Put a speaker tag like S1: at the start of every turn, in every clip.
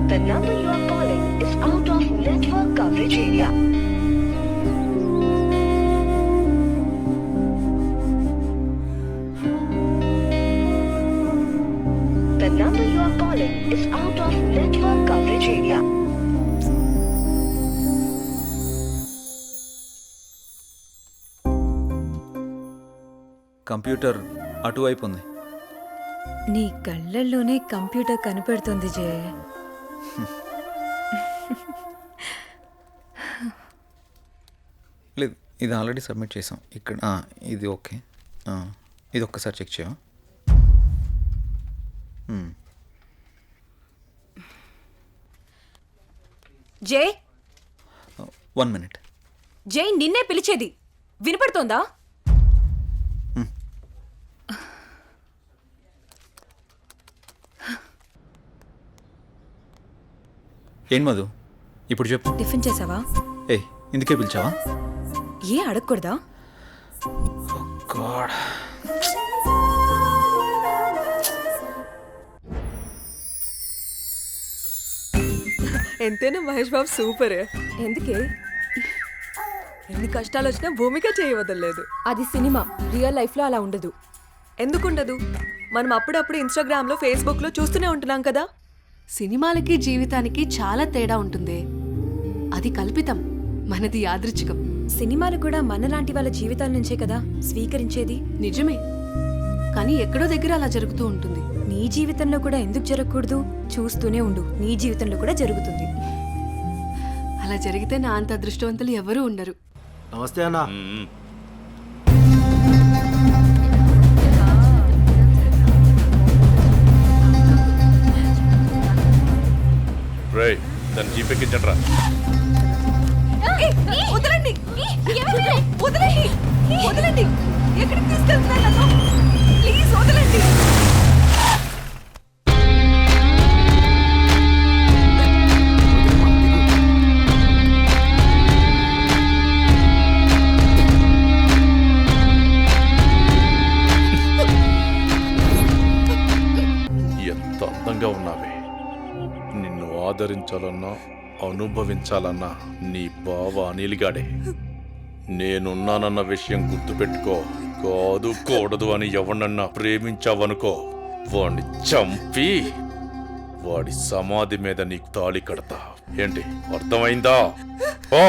S1: The number you are calling is out of network coverage area. The number you are calling is out of network coverage area.
S2: Computer అటువైపు ఉంది.
S3: నీ కళ్ళల్లోనే computer కనపడుతుంది జయ.
S2: లేదు, ఇది already submit చేసాం. ఇక్కడ ఇది ఓకే. ఇది ఒక్కసారి చెక్ చేయవా?
S3: జై
S2: 1 minute.
S3: జై నిన్నే పిలిచేది వినపడుతోందా?
S2: ఏం మధు ఇప్పుడు చెప్పు.
S3: టిఫిన్ చేసావా?
S2: ఏయ్, ఇందుకే పిలిచావా?
S3: ఏ అడగకూడదా?
S2: గాడ్,
S4: ఎంతైనా మహేష్ బాబు సూపర్.
S3: ఎందుకే?
S4: ఎన్ని కష్టాలు వచ్చినా భూమిక చేయవదలేదు.
S3: అది సినిమా, రియల్ లైఫ్ లో అలా ఉండదు.
S4: ఎందుకుండదు? మనం అప్పుడప్పుడు ఇన్స్టాగ్రామ్ లో ఫేస్బుక్ లో చూస్తూనే ఉంటున్నాం కదా.
S5: సినిమాలకి జీవితానికి చాలా తేడా ఉంటుంది. అది కల్పితం, మనది యాదృచ్ఛికం.
S3: సినిమాలు కూడా మనలాంటి వాళ్ళ జీవితాల నుంచే కదా స్వీకరించేది.
S5: నిజమే, కానీ ఎక్కడో దగ్గర అలా జరుగుతూ ఉంటుంది.
S3: నీ జీవితంలో కూడా ఎందుకు జరగకూడదు? చూస్తూనే ఉండు, నీ జీవితంలో కూడా జరుగుతుంది.
S5: అలా జరిగితే నా అంత అదృష్టవంతులు ఎవరూ ఉండరు.
S6: నమస్తే అన్న.
S7: రేయ్, దాన్ని జీపేకి ఇచ్చండ్రా.
S4: వదలండి, వదలండి, వదలండి. ఎక్కడికి తీసుకెళ్తున్నారు నన్ను? ప్లీజ్ వదలండి.
S7: ఎంత అందంగా ఉన్నావే. నిన్ను ఆదరించాలన్నా అనుభవించాలన్నా నీ బావ అనిల్గాడే. నేనున్నానన్న విషయం గుర్తుపెట్టుకో. కాదు కూడదు అని ఎవరినన్నా ప్రేమించావనుకో, వాడిని చంపి వాడి సమాధి మీద నీకు తాళి కడతా. ఏంటి, అర్థమైందా? ఓ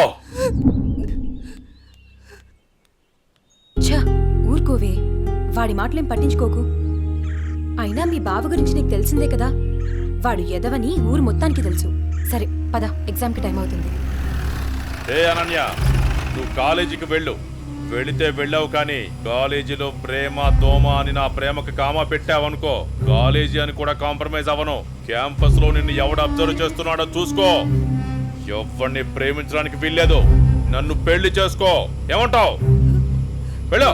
S3: ఛ, ఊరుకోవే, వాడి మాటలేం పట్టించుకోకు. అయినా మీ బావ గురించి నీకు తెలిసిందే కదా. వాడు ఎదవని ఊరు మొత్తానికి తెలుసు. సరే పద, ఎగ్జామ్కి టైం అవుతుంది.
S7: ఏ అనన్య, నువ్వు కాలేజీకి వెళ్ళు. వెళితే వెళ్ళావు, కానీ కాలేజీలో ప్రేమ దోమ అని నా ప్రేమకు కామా పెట్టావనుకో, కాలేజీ అని కూడా కాంప్రమైజ్ అవ్వను. క్యాంపస్ లో నిన్ను ఎవడు అబ్జర్వ్ చేస్తున్నాడో చూసుకో. ఎవరిని ప్రేమించడానికి వీల్లేదు. నన్ను పెళ్లి చేసుకో. ఏమంటావు? వెళ్ళు.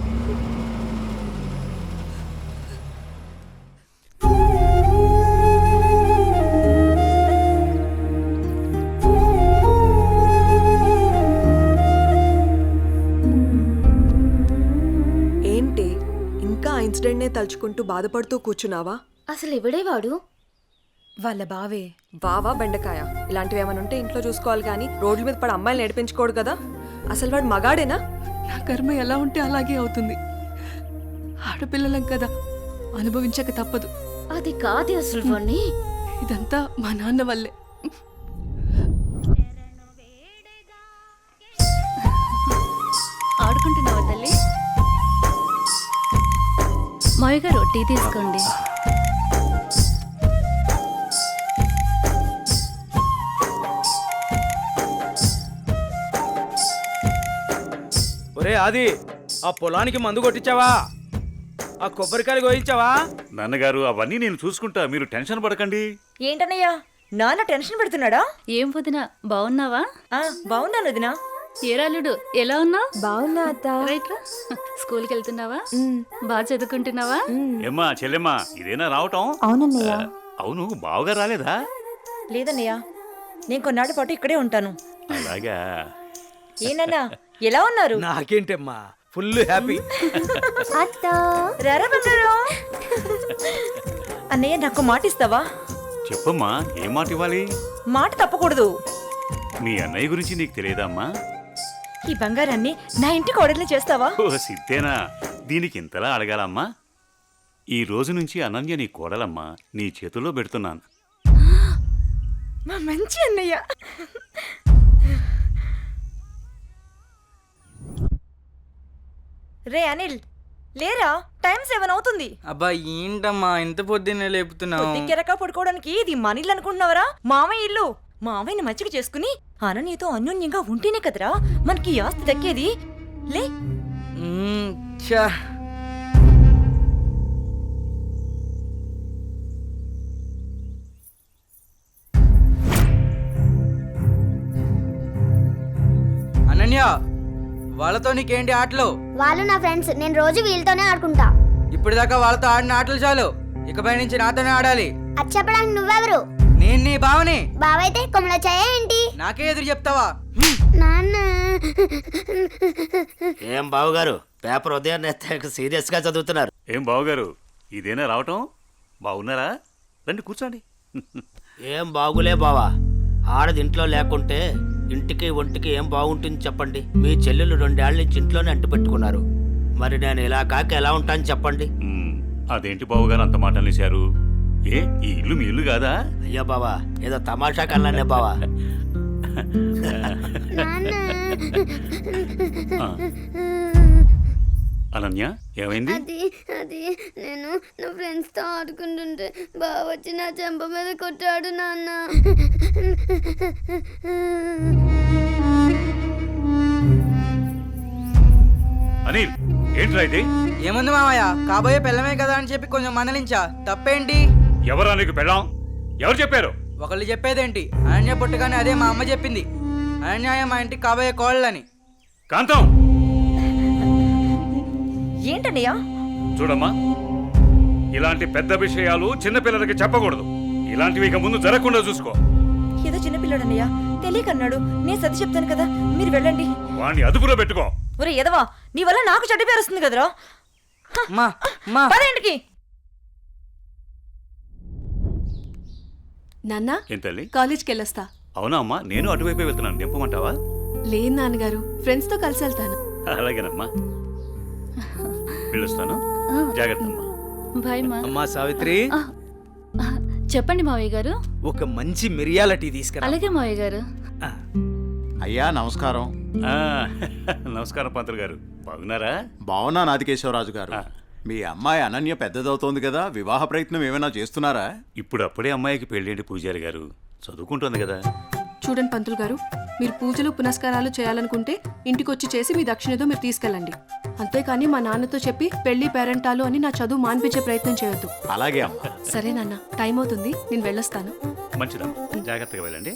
S4: ఏంటి ఇంకా ఆ ఇన్సిడెంట్ నే తలుచుకుంటూ బాధపడుతూ కూర్చున్నావా?
S8: అసలు ఎవడే వాడు?
S3: వాళ్ళ బావే.
S4: బావా బెండకాయ ఇలాంటివి ఏమైనా ఉంటే ఇంట్లో చూసుకోవాలి, కానీ రోడ్ల మీద పడి అమ్మాయిలు నడిపించుకోడు కదా. అసలు వాడు మగాడేనా?
S5: నా కర్మ ఎలా ఉంటే అలాగే అవుతుంది. ఆడపిల్లలం కదా, అనుభవించక తప్పదు.
S8: అది కాదు అసలు వాణ్ణి.
S5: ఇదంతా మా నాన్న వల్లే.
S8: ఆడుకుంటున్నావా తల్లి? మావి గారు టీ తీసుకోండి.
S6: ఒరే ఆది, ఆ పొలానికి మందు కొట్టించావా? ఆ కొబ్బరికాయలు కోయించావా?
S9: నాన్నగారు, అవన్నీ నేను చూసుకుంటా, మీరు టెన్షన్ పడకండి.
S10: ఏంటన్నయ్యా, నాన్న టెన్షన్ పెడుతున్నాడా?
S8: ఏం వదినా, బాగున్నావా?
S10: బాగున్నాను వదినా.
S8: ఏరాలుడు ఎలా ఉన్నావు?
S3: బాగున్నా అత్త.
S8: రైట్ రా. స్కూల్కి వెళ్తున్నావా? బాగా చదువుకుంటున్నావా?
S9: ఏమ్మా చెల్లెమ్మా, ఇదేనా రావటం?
S3: అవునన్నయ్య.
S9: అవును, బావగా రాలేదా?
S10: లేదన్నయ్యా, నేను కొన్నాళ్ళ పాటు ఇక్కడే ఉంటాను.
S9: అలాగా.
S10: ఏనన్నా, ఎలా ఉన్నారు?
S6: నాకేంటమ్మా, ఫుల్ హ్యాపీ.
S10: రారా బంగారు. అన్నయ్య, నాకు మాట ఇస్తావా?
S9: చెప్పమ్మా ఏం మాట ఇవ్వాలి?
S10: మాట తప్పకూడదు.
S9: మీ అన్నయ్య గురించి నీకు తెలియదమ్మా?
S10: ఈ బంగారాన్ని నా ఇంటికి ఆర్డర్లు చేస్తావా?
S9: ఓ సిద్ధేనా, దీనికి ఇంతలా అడగాలమ్మా? ఈ రోజు నుంచి అనన్య నీ కోడలమ్మా, నీ చేతుల్లో పెడుతున్నాను.
S10: మా మంచి అన్నయ్య. రే అనిల్, లేరా, టైం 7 అవుతుంది.
S6: అబ్బా ఏంటమ్మా ఇంత పొద్దున్నే లేపుతున్నావు?
S10: కెరక పడుకోవడానికి ఇది మన ఇల్లు అనుకుంటున్నావరా? మామయ్య ఇల్లు. మామయ్యని మచ్చిక చేసుకుని అనన్యతో అన్యోన్యంగా ఉంటేనే కదరా మనకి ఈ ఆస్తి దక్కేది. లే.
S6: ఛా. అనన్య, వాళ్ళతో నీకేంటి ఆటలు?
S11: వాళ్ళు నా ఫ్రెండ్స్, నేను రోజు వీళ్ళతోనే ఆడుకుంటా.
S6: ఇప్పుడు దాకా వాళ్ళతో ఆడిన ఆటలు చాలు, ఇకపై నుంచి నాతోనే ఆడాలి.
S11: అది చెప్పడానికి నువ్వెవరు?
S6: నేను నీ బావని.
S11: బావైతే కొమ్మలొచ్చాయా ఏంటి?
S6: నాకే ఎదురు చెప్తావా?
S11: నాన్న.
S12: ఏం బావగారు, పేపర్ ఉదయాన్నే సీరియస్ గా చదువుతున్నారు.
S9: ఏం బావగారు, ఇదేనా రావటం? బాగున్నారా? రండి కూర్చోండి.
S12: ఏం బాగులే బావా, ఆడది ఇంట్లో లేకుంటే ఇంటికి ఒంటికి ఏం బాగుంటుంది చెప్పండి. మీ చెల్లెలు 2 ఏళ్ల నుంచి ఇంట్లోనే అంటు పెట్టుకున్నారు. మరి నేను ఇలా కాక ఎలా ఉంటాను చెప్పండి.
S9: అదేంటి బావగారు అంత మాట అనేశారు? ఏ, ఈ ఇల్లు మీ ఇల్లు కాదా?
S12: అయ్యో బావా, ఏదో తమాషా కల్లానే బావా.
S9: అనన్య, ఏమైంది?
S11: అది నేను నా ఫ్రెండ్స్ తో ఆడుకుంటుంటే బావ వచ్చి నా చెంప మీద కొట్టాడు నాన్న.
S9: అనిల్, ఏంట్రా ఇది?
S6: ఏముంది మామయ్య, కాబోయే పిల్లమే కదా అని చెప్పి కొంచెం మందలించా. తప్పేంటి?
S9: ఎవరా నీకు పెళ్ళాం? ఎవరు చెప్పారు?
S6: ఒకళ్ళు చెప్పేదేంటి, అనన్య పుట్టగానే అదే మా అమ్మ చెప్పింది. అనన్య మా ఇంటికి కాబోయే కోళ్ళని.
S9: కాంతం,
S10: ఏంటన్నయ్యా?
S9: చూడమ్మా, ఇలాంటి పెద్ద విషయాలు చిన్నపిల్లలకి చెప్పకూడదు. ఇలాంటివి ఇక ముందు జరగకుండా చూసుకో.
S10: ఏదో చిన్నపిల్లడన్నయ్యా, తెలియకన్నాడు. నేను సర్ది చెప్తాను కదా, మీరు వెళ్ళండి.
S9: వాణ్ణి అదుపులో పెట్టుకో.
S10: ఒరే ఎదవా, నీ వల్ల నాకు చెడ్డ పేరు వస్తుంది కదరా. పదేంటికి
S5: నాన్న,
S9: ఏం తల్లి?
S5: కాలేజ్కి వెళ్ళొస్తా.
S9: అవునా అమ్మా, నేను అటువైపే వెళ్తున్నాను. దింపమంటావా?
S5: లేదు నాన్నగారు, ఫ్రెండ్స్ తో కలిసి వెళ్తాను.
S9: అలాగేనమ్మా, వెళ్ళొస్తాను. జాగ్రత్త అమ్మా.
S8: బాయ్ మా.
S6: అమ్మా సావిత్రి,
S8: చెప్పండి మావయ్య గారు.
S6: ఒక మంచి మిరియాల టీ తీసుకురా.
S8: అలాగే మావయ్య గారు.
S13: అయ్యా నమస్కారం.
S9: నమస్కారం పంతులు గారు, బాగున్నారా?
S13: బాగున్నా నాదికేశ్వరరాజు గారు. మీ అమ్మాయి అనన్య పెద్దదవుతోంది కదా, వివాహ ప్రయత్నం ఏమైనా చేస్తున్నారా?
S9: ఇప్పుడు అప్పుడే అమ్మాయికి పెళ్ళేంటి పూజారి గారు, చదువుకుంటుంది కదా.
S5: చూడండి పంతులు గారు, మీరు పూజలు పునస్కారాలు చేయాలనుకుంటే ఇంటికి వచ్చి చేసి మీ దక్షిణతో మీరు తీసుకెళ్ళండి. అంతేకాని మా నాన్నతో చెప్పి పెళ్లి పేరెంటాలు అని నా చదువు మాన్పించే ప్రయత్నం చేయొద్దు.
S13: అలాగే అమ్మా.
S5: సరే నాన్న, టైం అవుతుంది, నేను వెళ్ళొస్తాను.
S9: మంచిదమ్మా, జాగ్రత్తగా వెళ్ళండి.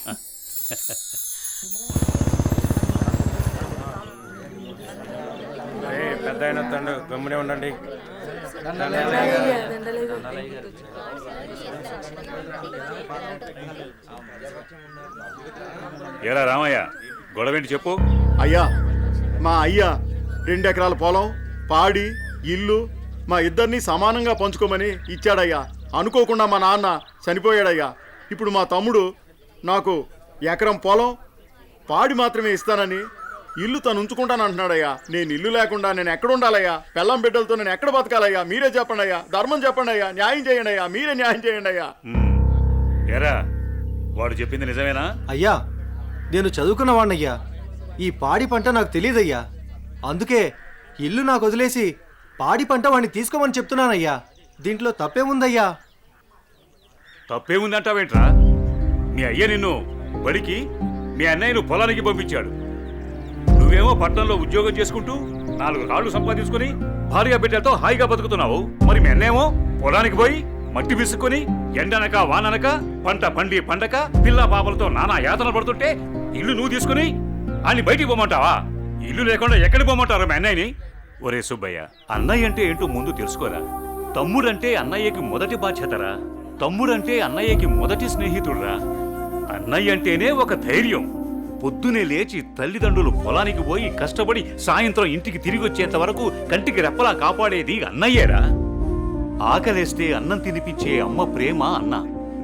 S6: పెద్ద అయిన తండ్రి గమ్మునే ఉండండి.
S9: ఏరా రామయ్య, గొడవేంటి చెప్పు.
S13: అయ్యా, మా అయ్యా 2 ఎకరాల పొలం, పాడి, ఇల్లు మా ఇద్దరిని సమానంగా పంచుకోమని ఇచ్చాడయ్యా. అనుకోకుండా మా నాన్న చనిపోయాడయ్యా. ఇప్పుడు మా తమ్ముడు నాకు ఎకరం పొలం, పాడి మాత్రమే ఇస్తానని, ఇల్లు తను ఉంచుకుంటానంటున్నాడయ్యా. నేను ఇల్లు లేకుండా నేను ఎక్కడ ఉండాలయ్యా? పెళ్ళం బిడ్డలతో నేను ఎక్కడ బతకాలయ్యా? మీరే చెప్పండి అయ్యా, ధర్మం చెప్పండి అయ్యా, న్యాయం చేయండి అయ్యా, మీరే న్యాయం చేయండి అయ్యా.
S9: ఏరా, వాడు చెప్పింది నిజమేనా?
S14: అయ్యా, నేను చదువుకున్నవాణ్ణయ్యా. ఈ పాడి పంట నాకు తెలియదయ్యా. అందుకే ఇల్లు నాకు వదిలేసి పాడి పంట వాడిని తీసుకోమని చెప్తున్నానయ్యా. దీంట్లో తప్పేముందయ్యా?
S9: తప్పేముందంటావేంట్రా? మీ అయ్య నిన్ను బడికి, మీ అన్నయ్యను పొలానికి పంపించాడు. నువ్వేమో పట్టణంలో ఉద్యోగం చేసుకుంటూ 4 కాళ్ళు సంపాదించుకుని భార్య బిడ్డలతో హాయిగా బతుకుతున్నావు. మరి మీ అన్నేమో పొలానికి పోయి మట్టి విసుక్కుని ఎండనక వాననక పంట పండి పండక పిల్ల పాపలతో నానా యాతన పడుతుంటే ఇల్లు నువ్వు తీసుకుని అని బయటికి పోమంటావా? ఇల్లు లేకుండా ఎక్కడికి పోమంటారు మీ అన్నయ్యని? ఒరే సుబ్బయ్య, అన్నయ్య అంటే ఏంటో ముందు తెలుసుకోరా. తమ్ముడంటే అన్నయ్యకి మొదటి బాధ్యతరా. తమ్ముడంటే అన్నయ్యకి మొదటి స్నేహితుడురా. అన్నయ్య అంటేనే ఒక ధైర్యం. పొద్దునే లేచి తల్లిదండ్రులు పొలానికి పోయి కష్టపడి సాయంత్రం ఇంటికి తిరిగి వచ్చేంత వరకు కంటికి రెప్పలా కాపాడేది అన్నయ్యేరా. ఆకలేస్తే అన్నం తినిపించే అమ్మ ప్రేమ అన్న.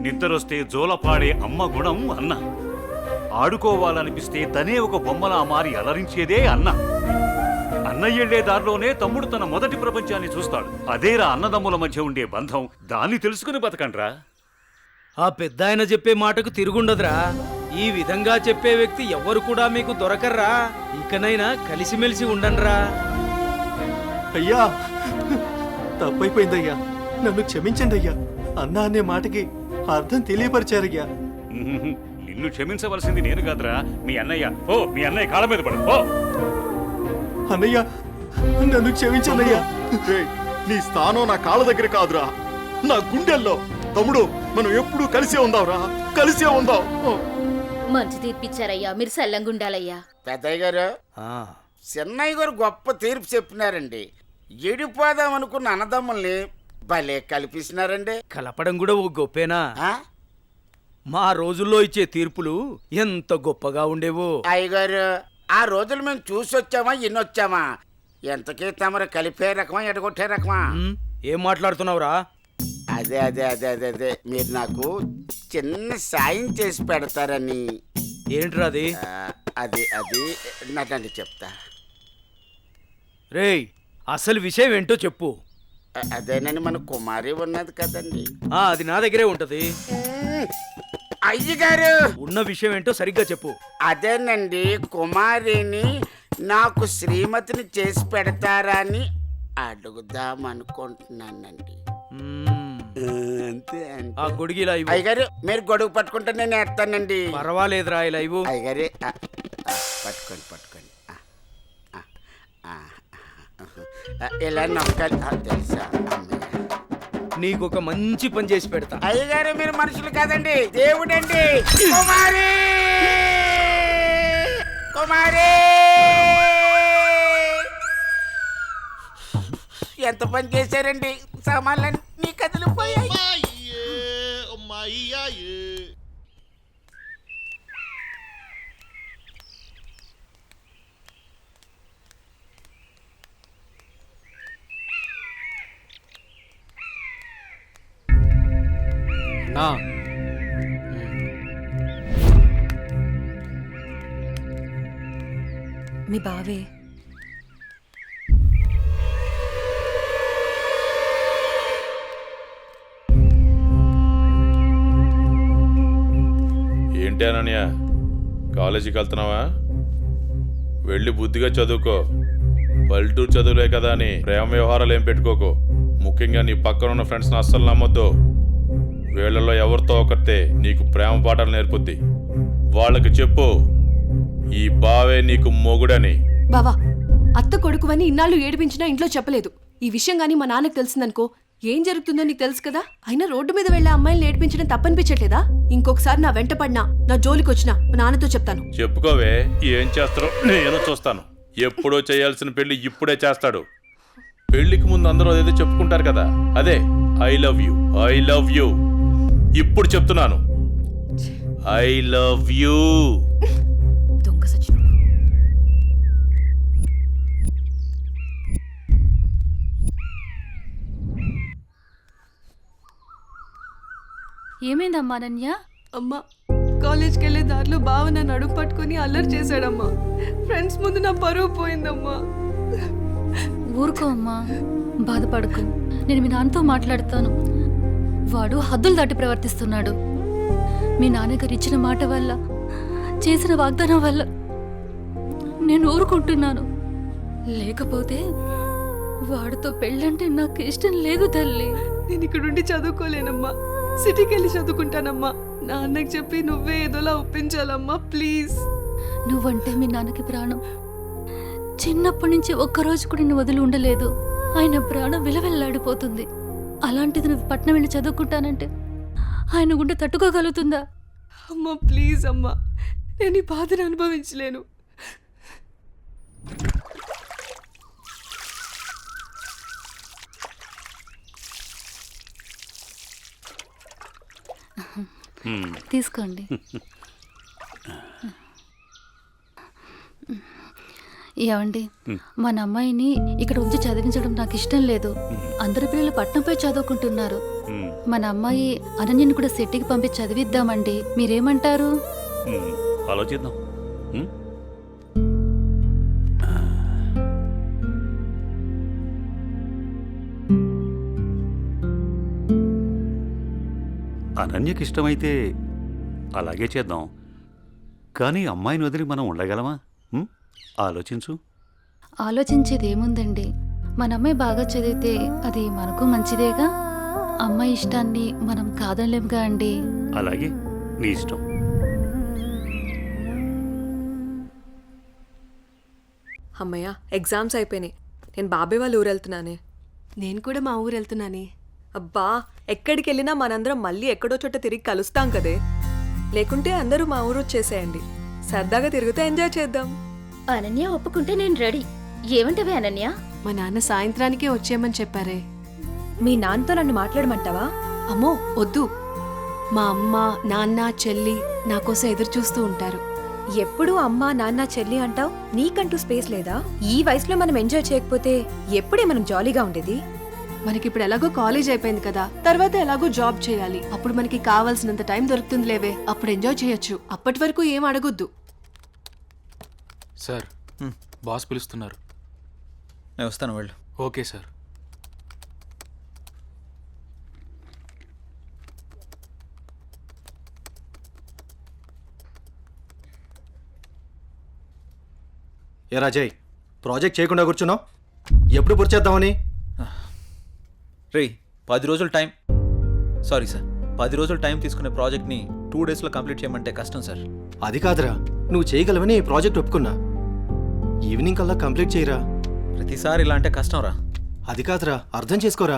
S9: నిద్రొస్తే జోలపాడే అమ్మ గుణం అన్న. ఆడుకోవాలనిపిస్తే తనే ఒక బొమ్మలా మారి అలరించేదే అన్న. అన్నయ్యెళ్లే దారిలోనే తమ్ముడు తన మొదటి ప్రపంచాన్ని చూస్తాడు. అదేరా అన్నదమ్ముల మధ్య ఉండే బంధం. దాన్ని తెలుసుకుని బతకండ్రా.
S6: ఆ పెద్ద ఆయన చెప్పే మాటకు తిరుగుండదురా. ఈ విధంగా చెప్పే వ్యక్తి ఎవ్వరు కూడా మీకు దొరకర్రా. ఇకనైనా కలిసిమెలిసి ఉండండిరా.
S14: అయ్యా, తప్పైపోయిందయ్యా, నన్ను క్షమించండి అయ్యా. అన్న అనే మాటకి అర్థం తెలియపరిచారయ్యా.
S9: నిన్ను క్షమించవలసింది నేను కాదురా, మీ అన్నయ్య. ఓ, మీ అన్నయ్య కాళ్ళ మీద పడు. ఓ
S14: అన్నయ్య, నన్ను క్షమించండి అయ్యా.
S13: రేయ్, నీ స్థానం నా కాళ్ళ దగ్గర కాదురా, నా గుండెల్లో. తమ్ముడు, మనం ఎప్పుడూ కలిసే ఉందాంరా, కలిసే ఉందాం.
S8: మంచి తీర్పిచ్చారయ్యా, మీరు సల్లంగుండాలయ్యా.
S12: పెద్దయ్య గారు, చిన్నయ్య గారు గొప్ప తీర్పు చెప్పినారండి. ఎడిపోదాం అనుకున్న అన్నదమ్ముల్ని భలే కల్పిస్తున్నారండి.
S6: కలపడం కూడా ఓ గొప్పేనా? మా రోజుల్లో ఇచ్చే తీర్పులు ఎంత గొప్పగా ఉండేవో.
S12: అయ్యగారు, ఆ రోజులు మేము చూసొచ్చామా ఇన్నొచ్చామా? ఎంతకీ తమరు కలిపే రకమా ఎడగొట్టే రకమా?
S6: ఏం మాట్లాడుతున్నావురా?
S12: అదే అదే అదే అదే అదే మీరు నాకు చిన్న సాయం చేసి పెడతారని.
S6: ఏంట్రా అది?
S12: అది అది నాకండి చెప్తా.
S6: రేయ్, అసలు విషయం ఏంటో చెప్పు.
S12: అదేనండి, మన కుమారి ఉన్నది కదండి.
S6: అది నా దగ్గరే ఉంటది.
S12: అయ్యగారు,
S6: ఉన్న విషయం ఏంటో సరిగ్గా చెప్పు.
S12: అదేనండి, కుమారిని నాకు శ్రీమతిని చేసి పెడతారని అడుగుదాం అనుకుంటున్నానండి. అంతే
S6: ఆ గొడుగు ఇలా ఇవ్వు.
S12: అయ్యగారు, మీరు గొడుగు పట్టుకుంటే నేను ఎత్తానండి.
S6: పర్వాలేదురా, ఇలా ఇవ్వు.
S12: అయ్యగారు, పట్టుకోండి పట్టుకోండి. ఇలా నొక్కాలి, తెలుసా?
S6: నీకు ఒక మంచి పని చేసి పెడతా.
S12: అయ్యగారు, మీరు మనుషులు కాదండి, దేవుడండి. కుమారి, కుమారి, ఎంత పని చేశారండి. సామాన్లన్నీ కదిలిపోయాయి.
S14: నా
S3: మీ బావే
S7: ఏంటి అనన్య, కాలేజీకి వెళ్తున్నావా? వెళ్ళి బుద్ధిగా చదువుకో. పల్లెటూరు చదువులే కదా అని ప్రేమ వ్యవహారాలు ఏం పెట్టుకోకు. ముఖ్యంగా నీ పక్కన ఉన్న ఫ్రెండ్స్ని అస్సలు నమ్మొద్దు. వీళ్ళలో ఎవరితో ఒకరితే నీకు ప్రేమ పాఠాలు నేర్పుద్ది. వాళ్ళకి చెప్పు, ఈ బావే నీకు మొగుడని.
S5: బావా, అత్త కొడుకువని ఇన్నాళ్ళు ఏడిపించినా ఇంట్లో చెప్పలేదు. ఈ విషయం గానీ మా నాన్నకు తెలిసిందనుకో ఏం జరుగుతుందో నీకు తెలుసు కదా. అయినా రోడ్డు మీద వెళ్లే అమ్మాయిలు ఏడిపించడం తప్పనిపించట్లేదా? ఇంకొకసారి నా వెంట పడినా, నా జోలికి వచ్చినా మా నాన్నతో చెప్తాను.
S7: చెప్పుకోవే, ఏం చేస్తారో నేను చూస్తాను. ఎప్పుడో చేయాల్సిన పెళ్లి ఇప్పుడే చేస్తాడు. పెళ్లికి ముందు అందరూ అదేదో చెప్పుకుంటారు కదా, అదే I love you, I love you. ఇప్పుడు చెప్తున్నాను, ఐ లవ్ యూ.
S3: దొంగ సచ్చినోడు.
S8: ఏమైందమ్మా అనన్య?
S5: అమ్మా, కాలేజ్కి వెళ్ళే దారిలో బావ నన్ను అడుగు పట్టుకుని అల్లరి చేశాడమ్మా. ఫ్రెండ్స్ ముందు నా పరువు పోయిందమ్మా.
S8: ఊరుకో అమ్మా, బాధపడకు. నేను మీ నాన్నతో మాట్లాడతాను. వాడు హద్దులు దాటి ప్రవర్తిస్తున్నాడు. మీ నాన్నగారు ఇచ్చిన మాట వల్ల, చేసిన వాగ్దానం వల్ల నేను ఊరుకుంటున్నాను. లేకపోతే వాడితో పెళ్ళంటే నాకు ఇష్టం లేదు తల్లి.
S5: నేను ఇక్కడుండి చదువుకోలేనమ్మా, సిటీకి వెళ్ళి చదువుకుంటానమ్మా. నాన్నకి చెప్పి నువ్వే ఏదోలా ఒప్పించాలమ్మా, ప్లీజ్.
S8: నువ్వంటే మీ నాన్నకి ప్రాణం. చిన్నప్పటి నుంచి ఒక్కరోజు కూడా నేను వదిలి ఉండలేదు. ఆయన ప్రాణం విలవెల్లాడిపోతుంది. అలాంటిది నువ్వు పట్నం వెళ్ళి చదువుకుంటానంటే ఆయన గుండె తట్టుకోగలుగుతుందా?
S5: అమ్మా ప్లీజ్ అమ్మా, నేను ఈ బాధను అనుభవించలేను.
S8: తీసుకోండి. ఏమండి, మన అమ్మాయిని ఇక్కడ ఉంచి చదివించడం నాకు ఇష్టం లేదు. అందరి పిల్లలు పట్నంపై చదువుకుంటున్నారు.
S9: ఉమ్,
S8: మన అమ్మాయి అనన్యని కూడా సిటీకి పంపి చదివిద్దామండి. మీరేమంటారు?
S9: ఆలోచిద్దాం. ఉమ్? అనన్యకి ఇష్టమైతే అలాగే చేద్దాం. కానీ అమ్మాయిని వదిలి మనం ఉండగలమా? ఆలోచించు.
S8: ఆలోచించేది ఏముందండి, మన అమ్మాయి బాగా చదివితే అది మనకు మంచిదేగా. అమ్మాయి ఇష్టాన్ని మనం కాదనలేముగా అండి.
S9: అలాగే, నీ ఇష్టం.
S4: అమ్మయ్య, ఎగ్జామ్స్ అయిపోయినాయి. నేను బాబాయ్ వాళ్ళ ఊరు వెళ్తున్నానే.
S5: నేను కూడా మా ఊరు వెళ్తున్నానే.
S4: అబ్బా, ఎక్కడికి వెళ్ళినా మనందరం మళ్ళీ ఎక్కడో చోట తిరిగి కలుస్తాం కదే. లేకుంటే అందరూ మా ఊరు వచ్చేసేయండి. సరదాగా తిరుగుతూ ఎంజాయ్ చేద్దాం.
S1: అనన్య ఒప్పుకుంటే నేను రెడీ. ఏమంటవే అనన్య?
S5: మా నాన్న సాయంత్రానికే వచ్చేయమని చెప్పారే.
S3: మీ నాన్నతో నన్ను మాట్లాడమంటావా?
S5: అమ్మో వద్దు. మా అమ్మ నాన్న చెల్లి నా కోసం ఎదురు చూస్తూ ఉంటారు.
S3: ఎప్పుడూ అమ్మ నాన్న చెల్లి అంటావు, నీకంటూ స్పేస్ లేదా? ఈ వయసులో మనం ఎంజాయ్ చేయకపోతే ఎప్పుడే మనం జాలీగా ఉండేది?
S5: మనకిప్పుడు ఎలాగో కాలేజ్ అయిపోయింది కదా, తర్వాత ఎలాగో జాబ్ చేయాలి. అప్పుడు మనకి కావాల్సినంత టైం దొరుకుతుంది లేవే, అప్పుడు ఎంజాయ్ చేయొచ్చు. అప్పటి వరకు ఏం అడగొద్దు.
S15: సార్, బాస్ పిలుస్తున్నారు.
S2: నేను వస్తాను, వెళ్ళు.
S15: Okay sir.
S14: ఏ రాజయ్, ప్రాజెక్ట్ చేయకుండా కూర్చున్నావు? ఎప్పుడు పూర్తి చేద్దామని?
S2: రే, 10 రోజులు టైం. సారీ సార్, 10 రోజులు టైం తీసుకునే ప్రాజెక్ట్ని 2 డేస్లో కంప్లీట్ చేయమంటే కష్టం సార్.
S14: అది కాదురా, నువ్వు చేయగలవని ఈ ప్రాజెక్ట్ ఒప్పుకున్నా. ఈవినింగ్ కల్లా కంప్లీట్ చేయరా.
S2: ప్రతిసారి ఇలా అంటే కష్టం రా.
S14: అది కాదురా, అర్థం చేసుకోరా.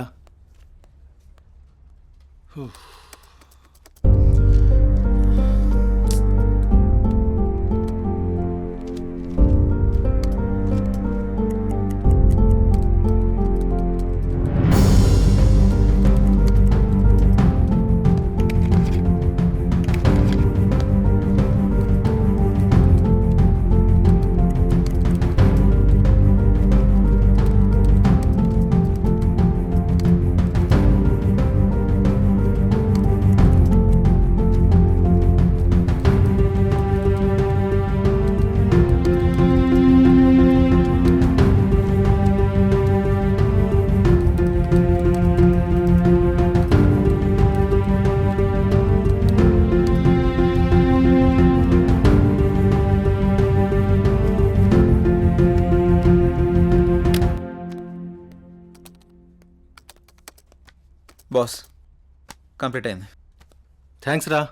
S2: బాస్, కంప్లీట్ అయింది.
S14: థ్యాంక్స్ రా.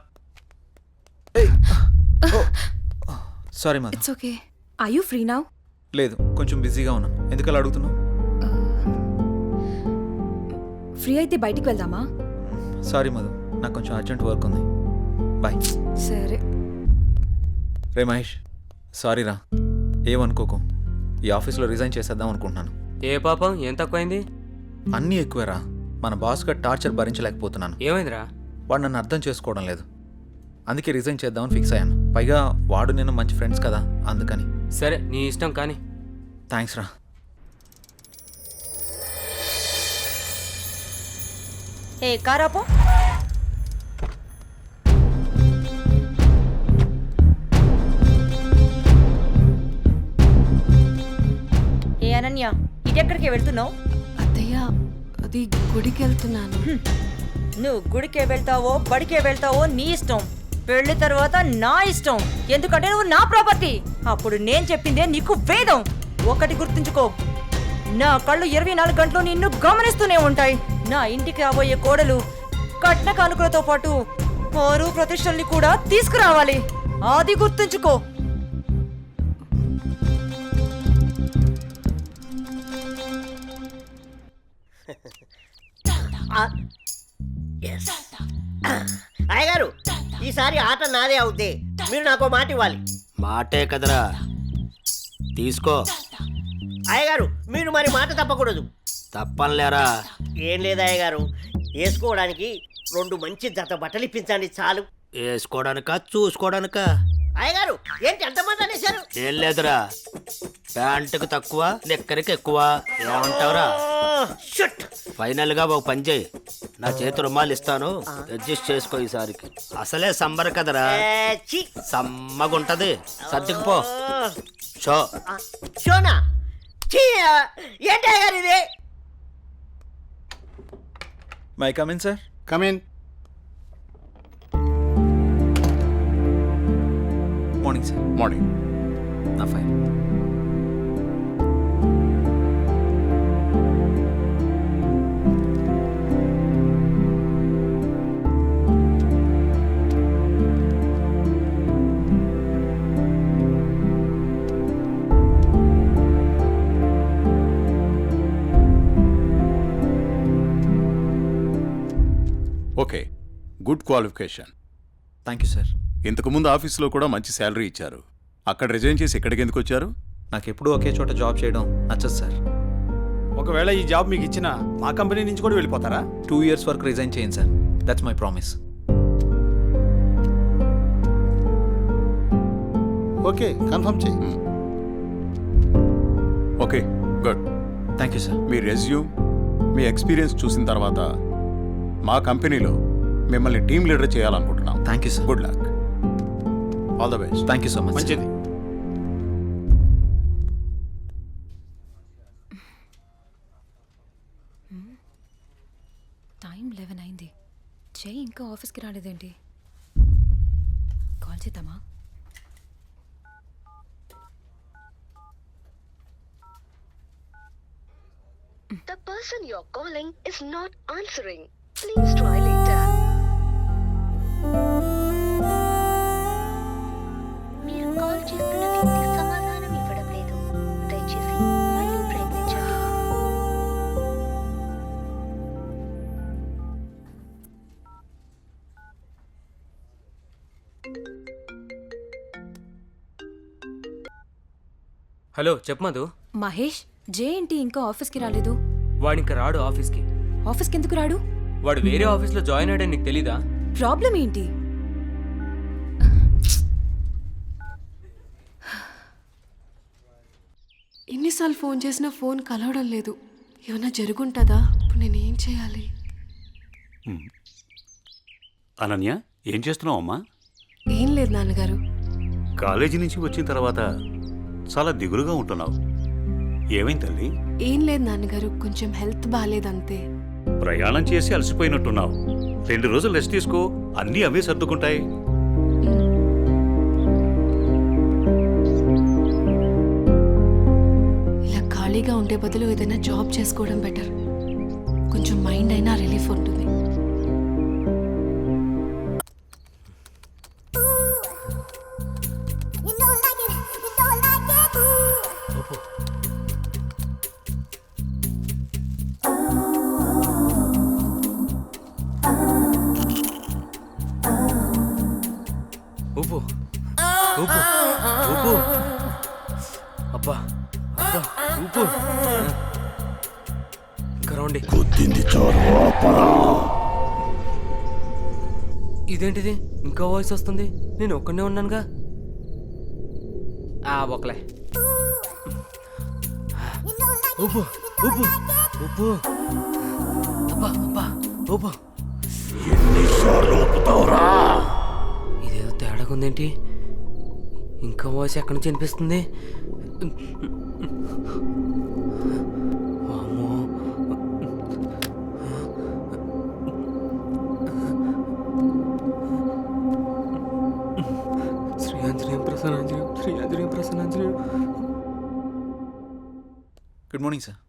S2: Sorry Madhu.
S3: It's okay. Are you free now?
S2: లేదు, కొంచెం బిజీగా ఉన్నాను. ఎందుకలా అడుగుతున్నావు?
S3: ఫ్రీ అయితే బయటికి వెళ్దామా?
S2: సారీ మధు, నాకు కొంచెం అర్జెంట్ వర్క్ ఉంది. బాయ్.
S3: సరే.
S2: రే మహేష్, సారీ రా, ఏమనుకోకు. ఈ ఆఫీస్లో రిజైన్ చేసేద్దాం అనుకుంటున్నాను.
S16: ఏ పాపం, ఏం తక్కువైంది?
S2: అన్నీ ఎక్కువేరా. మన బాస్గా టార్చర్ భరించలేకపోతున్నాను.
S16: ఏమైందిరా?
S2: వాడు నన్ను అర్థం చేసుకోవడం లేదు. అందుకే రిజైన్ చేద్దామని ఫిక్స్ అయ్యాను. పైగా వాడు నేను మంచి ఫ్రెండ్స్ కదా, అందుకని.
S16: సరే, నీ ఇష్టం కానీ.
S2: థ్యాంక్స్ రా.
S10: ఏ కారాపో. ఏ అనన్య, ఇటెక్కడికి వెళ్తున్నావు?
S5: అత్తయ్య, అది గుడికి వెళ్తున్నాను.
S10: నువ్వు గుడికే వెళ్తావో బడికే వెళ్తావో నీ ఇష్టం. పెళ్లి తర్వాత నా ఇష్టం. ఎందుకంటే నువ్వు నా ప్రాపర్టీ. అప్పుడు నేను చెప్పిందే నీకు వేదం. ఒకటి గుర్తుంచుకో, నా కళ్ళు 24 గంటలు నిన్ను గమనిస్తూనే ఉంటాయి. నా ఇంటికి రాబోయే కోడలు కట్న కానుకలతో పాటు పరు ప్రతిష్టల్ని కూడా తీసుకురావాలి. అది గుర్తుంచుకో.
S12: అయ్యగారు, ఈసారి ఆట నాదే అవుద్ది. మీరు నాకు మాట ఇవ్వాలి. మాటే కదరా, తీసుకో. అయ్యగారు, మీరు మరి మాట తప్పకూడదు. తప్పనిలేరా? ఏం లేదు అయ్యగారు, వేసుకోవడానికి 2 మంచి జత బట్టలు ఇప్పించండి చాలు. వేసుకోవడానికా చూసుకోవడానికా? అయ్యగారు, ఏంటి అంతమంది అనేశారు? ఏం లేదురా, ప్యాంటుకు తక్కువ నిక్కరికి ఎక్కువ ఏమంటావురా? ఫైనల్ గా ఒక పని చేయి, నా చేతి రుమాలు ఇస్తాను, అడ్జస్ట్ చేసుకో ఈసారికి. అసలే సంబర కదరా, సమ్మగుంటది. సర్దుకుపో. షో
S10: షోనా ఏంటే గారు ఇది?
S2: May come in sir.
S13: Come in.
S2: Morning sir.
S9: Morning.
S2: నా fine.
S9: Okay, good qualification.
S2: Thank you sir.
S9: ఇంతకుముందు ఆఫీస్లో కూడా మంచి శాలరీ ఇచ్చారు. అక్కడ రిజైన్ చేసి ఇక్కడికి ఎందుకు వచ్చారు?
S2: నాకు ఎప్పుడూ ఒకే చోట జాబ్ చేయడం నచ్చదు సార్.
S14: ఒకవేళ ఈ జాబ్ మీకు ఇచ్చిన మా కంపెనీ నుంచి కూడా వెళ్ళిపోతారా?
S2: 2 years వరకు రిజైన్ చేయండి sir. That's my promise.
S13: Okay, confirm చేయి.
S9: Okay, good.
S2: Thank you sir.
S9: మీ రెజ్యూమ్, మీ ఎక్స్పీరియన్స్ చూసిన తర్వాత మా కంపెనీలో మిమ్మల్ని టీమ్ లీడర్ చేయాలనుకుంటున్నాం.
S2: Thank you sir.
S9: Good luck. All the best.
S2: Thank you so much.
S14: మంచిది.
S3: టైం 11 అయింది. జై ఇంకా ఆఫీస్కి రాలేదేంటి? కాల్ చేద్దామా?
S1: The person you're calling is not answering. Please try later. మీరు కాల్ చేస్తున్న వ్యక్తి సమాధానం ఇవ్వడం లేదు. దయచేసి మళ్ళీ ప్రయత్నించండి.
S16: హలో చెప్పు మధు.
S3: మహేష్, జే ఏంటి ఇంకా ఆఫీస్కి రాలేదు?
S16: వాడు ఇంకా రాడు ఆఫీస్కి.
S3: ఆఫీస్కి ఎందుకు రాడు?
S16: వాడు వేరే ఆఫీస్లో జాయిన్ అయ్యాడని నీకు తెలీదా?
S3: ప్రాబ్లం ఏంటి?
S5: ఎన్నిసార్లు ఫోన్ చేసినా ఫోన్ కలవడం లేదు. ఏమన్నా జరుగుంటుందా? ఇప్పుడు నేనేం చేయాలి?
S9: అనన్య, ఏం చేస్తున్నావు అమ్మా?
S5: ఏం లేదు నాన్నగారు.
S9: కాలేజీ నుంచి వచ్చిన తర్వాత చాలా దిగులుగా ఉంటున్నావు. ఏమైంది తల్లి?
S5: ఏం లేదు నాన్నగారు, కొంచెం హెల్త్ బాగాలేదంతే.
S9: ప్రయాణం చేసి అలసిపోయినట్టున్నావు. 2 రోజులు రెస్ట్ తీసుకో, అన్నీ అవే సర్దుకుంటాయి.
S5: ఇలా ఖాళీగా ఉండే బదులు ఏదైనా జాబ్ చేసుకోవడం బెటర్. కొంచెం మైండ్ అయినా రిలీఫ్ ఉంటుంది.
S16: ఊపు ఊపు ఊపు. అబ్బా అబ్బా ఊపు. ఇంకా రౌండి. ఇదేంటిది ఇంకా వాయిస్ వస్తుంది? నేను ఒక్కనే ఉన్నానుగా. ఒకలే. ఊపు ఊపు ఊపు. అబ్బా అబ్బా ఊపు. ఇదేదో తేడాగా ఉందేంటి? ఇంకా వాయిస్ ఎక్కడి నుంచి వినిపిస్తుంది? వామ్మో. శ్రీ ఆంజనేయం ప్రసన్నాంజనేయం, శ్రీ ఆంజనేయం ప్రసన్నాంజనేయం.
S2: Good morning sir.